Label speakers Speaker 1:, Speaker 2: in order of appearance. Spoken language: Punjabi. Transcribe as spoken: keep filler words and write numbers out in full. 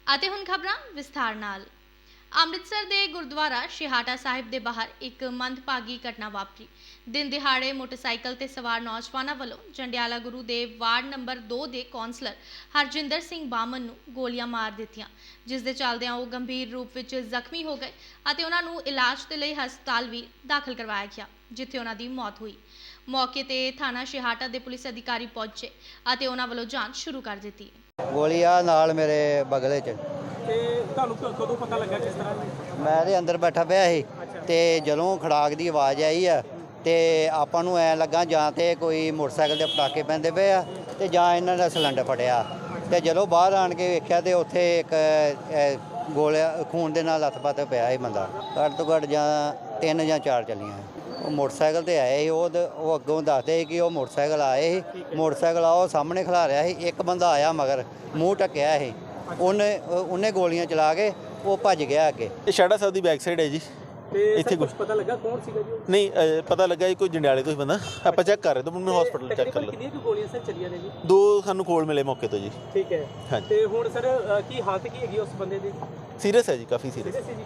Speaker 1: ਅਤੇ ਹੁਣ ਖਬਰਾਂ ਵਿਸਥਾਰ ਨਾਲ। ਅੰਮ੍ਰਿਤਸਰ ਦੇ ਗੁਰਦੁਆਰਾ ਸ਼ਹਾਟਾ ਸਾਹਿਬ ਦੇ ਬਾਹਰ ਇੱਕ ਮੰਦਭਾਗੀ ਘਟਨਾ ਵਾਪਰੀ। ਦਿਨ ਦਿਹਾੜੇ ਮੋਟਰਸਾਈਕਲ ਤੇ ਸਵਾਰ ਨੌਜਵਾਨਾਂ ਵੱਲੋਂ ਜੰਡਿਆਲਾ ਗੁਰੂ ਦੇ ਵਾਰਡ ਨੰਬਰ ਦੋ ਦੇ ਕੌਂਸਲਰ ਹਰਜਿੰਦਰ ਸਿੰਘ ਬਾਮਨ ਨੂੰ ਗੋਲੀਆਂ ਮਾਰ ਦਿੱਤੀਆਂ, ਜਿਸ ਦੇ ਚੱਲਦਿਆਂ ਉਹ ਗੰਭੀਰ ਰੂਪ ਵਿੱਚ ਜ਼ਖਮੀ ਹੋ ਗਏ ਅਤੇ ਉਹਨਾਂ ਨੂੰ ਇਲਾਜ ਦੇ ਲਈ ਹਸਪਤਾਲ ਵੀ ਦਾਖਲ ਕਰਵਾਇਆ ਗਿਆ, ਜਿੱਥੇ ਉਹਨਾਂ ਦੀ ਮੌਤ ਹੋਈ। ਮੌਕੇ ਤੇ ਥਾਣਾ ਸ਼ਹਾਟਾ ਦੇ ਪੁਲਿਸ ਅਧਿਕਾਰੀ ਪਹੁੰਚੇ ਅਤੇ ਉਹਨਾਂ ਵੱਲੋਂ ਜਾਂਚ ਸ਼ੁਰੂ ਕਰ ਦਿੱਤੀ।
Speaker 2: ਗੋਲੀ ਆ ਨਾਲ ਮੇਰੇ ਬਗਲੇ 'ਚ।
Speaker 3: ਤੇ ਤੁਹਾਨੂੰ ਕਦੋਂ ਪਤਾ ਲੱਗਾ ਕਿਸ ਤਰ੍ਹਾਂ?
Speaker 2: ਮੈਂ ਇਹਦੇ ਅੰਦਰ ਬੈਠਾ ਪਿਆ ਸੀ ਤੇ ਜਦੋਂ ਖੜਾਕ ਦੀ ਆਵਾਜ਼ ਆਈ ਆ ਤੇ ਆਪਾਂ ਨੂੰ ਐ ਲੱਗਾ ਜਾਂ ਤੇ ਕੋਈ ਮੋਟਰਸਾਈਕਲ ਦੇ ਪਟਾਕੇ ਪੈਂਦੇ ਪਏ ਆ ਤੇ ਜਾਂ ਇਹਨਾਂ ਦਾ ਸਿਲੰਡਰ ਫਟਿਆ। ਤੇ ਜਦੋਂ ਬਾਹਰ ਆਣ ਕੇ ਵੇਖਿਆ ਤੇ ਉੱਥੇ ਇੱਕ ਗੋਲਿਆ ਖੂਨ ਦੇ ਨਾਲ ਲੱਥ-ਪੱਥ ਪਿਆ ਸੀ ਬੰਦਾ। ਘੱਟ ਤੋਂ ਘੱਟ ਜਾਂ ਤਿੰਨ ਜਾਂ ਚਾਰ ਚੱਲੀਆਂ। ਉਹ ਮੋਟਰਸਾਈਕਲ ਤੇ ਆਏ ਸੀ, ਉਹ ਉਹ ਅੱਗੋਂ ਦੱਸਦੇ ਸੀ ਕਿ ਉਹ ਮੋਟਰਸਾਈਕਲ ਆਏ ਸੀ। ਮੋਟਰਸਾਈਕਲ ਆ ਉਹ ਸਾਹਮਣੇ ਖਲਾ ਰਿਹਾ ਸੀ। ਇੱਕ ਬੰਦਾ ਆਇਆ ਮਗਰ ਮੂੰਹ ਢੱਕਿਆ ਸੀ, ਉਹਨੇ ਉਹਨੇ ਗੋਲੀਆਂ ਚਲਾ ਕੇ ਉਹ ਭੱਜ ਗਿਆ ਅੱਗੇ।
Speaker 4: ਇਹ ਸ਼ਾੜਾ ਸਾਹਿਬ ਦੀ ਬੈਕ ਸਾਈਡ ਹੈ ਜੀ।
Speaker 3: ਤੇ
Speaker 4: ਇੱਥੇ
Speaker 3: ਕੁਝ ਪਤਾ ਲੱਗਾ ਕੌਣ ਸੀਗਾ ਜੀ?
Speaker 4: ਨਹੀਂ ਅ, ਪਤਾ ਲੱਗਾ ਜੀ ਕੋਈ ਜੰਡਿਆਲੇ ਤੋਂ ਹੀ ਬੰਦਾ। ਆਪਾਂ ਚੈੱਕ ਕਰ ਰਹੇ ਤਾਂ ਮੈਨੂੰ ਹਸਪੀਟਲ ਚੈੱਕ ਕਰ ਲਓ।
Speaker 3: ਕਿੰਨੀਆਂ ਕੁ ਗੋਲੀਆਂ ਸਰ ਚੱਲੀਆਂ ਨੇ ਜੀ?
Speaker 4: ਦੋ ਸਾਨੂੰ ਕੋਲ ਮਿਲੇ ਮੌਕੇ ਤੋਂ ਜੀ।
Speaker 3: ਠੀਕ ਹੈ।
Speaker 4: ਹਾਂਜੀ।
Speaker 3: ਤੇ ਹੁਣ ਸਰ ਕੀ ਹਾਲਤ ਕੀ ਹੈਗੀ ਉਸ ਬੰਦੇ ਦੀ?
Speaker 4: ਸੀਰੀਅਸ ਹੈ ਜੀ, ਕਾਫੀ ਸੀਰੀਅਸ।